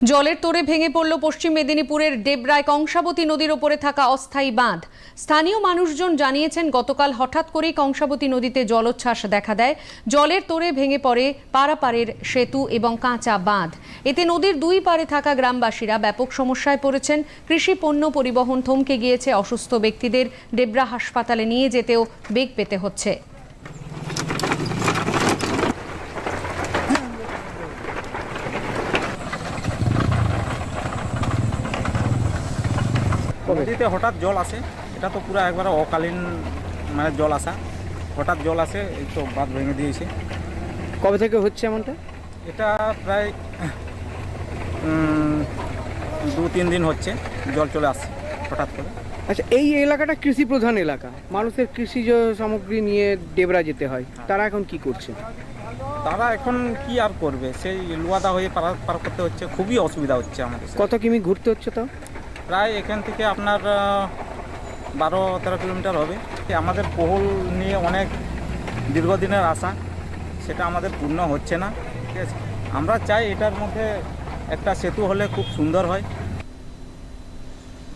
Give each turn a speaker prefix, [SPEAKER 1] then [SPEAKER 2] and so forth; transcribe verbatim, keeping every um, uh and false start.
[SPEAKER 1] জলের তোড়ে ভেঙে পড়ল পশ্চিম মেদিনীপুরের ডেবরায় কংসাবতী নদীর ওপরে থাকা অস্থায়ী বাঁধ। স্থানীয় মানুষজন জানিয়েছেন, গতকাল হঠাৎ করেই কংসাবতী নদীতে জলোচ্ছ্বাস দেখা দেয়। জলের তোড়ে ভেঙে পড়ে পারাপারের সেতু এবং কাঁচা বাঁধ। এতে নদীর দুই পারে থাকা গ্রামবাসীরা ব্যাপক সমস্যায় পড়েছেন। কৃষি পণ্য পরিবহন থমকে গিয়েছে। অসুস্থ ব্যক্তিদের ডেবরা হাসপাতালে নিয়ে যেতেও বেগ পেতে হচ্ছে।
[SPEAKER 2] নদীতে হঠাৎ জল আসে, এটা তো পুরো একবারে অকালীন মানে জল আসা, হঠাৎ জল আসে, এই তো বাঁধ ভেঙে দিয়েছে।
[SPEAKER 3] কবে থেকে হচ্ছে এমনটা?
[SPEAKER 2] এটা প্রায় উম, দু তিন দিন হচ্ছে জল চলে আসছে হঠাৎ করে।
[SPEAKER 3] আচ্ছা, এই এলাকাটা কৃষি প্রধান এলাকা, মানুষের কৃষিজ সামগ্রী নিয়ে ডেবরা যেতে হয়, তারা এখন কি করছে?
[SPEAKER 2] তারা এখন কি আর করবে, সেই লুয়াদা হয়ে পার পার করতে হচ্ছে, খুবই অসুবিধা হচ্ছে আমাদের।
[SPEAKER 3] কত কিমি ঘুরতে হচ্ছে তাও?
[SPEAKER 2] প্রায় এখান থেকে আপনার আহ, বারো তেরো কিলোমিটার হবে। আমাদের পোহল নিয়ে অনেক দীর্ঘদিনের আশা, সেটা আমাদের পূর্ণ হচ্ছে না। ঠিক আছে, আমরা চাই এটার মধ্যে একটা সেতু হলে খুব সুন্দর হয়।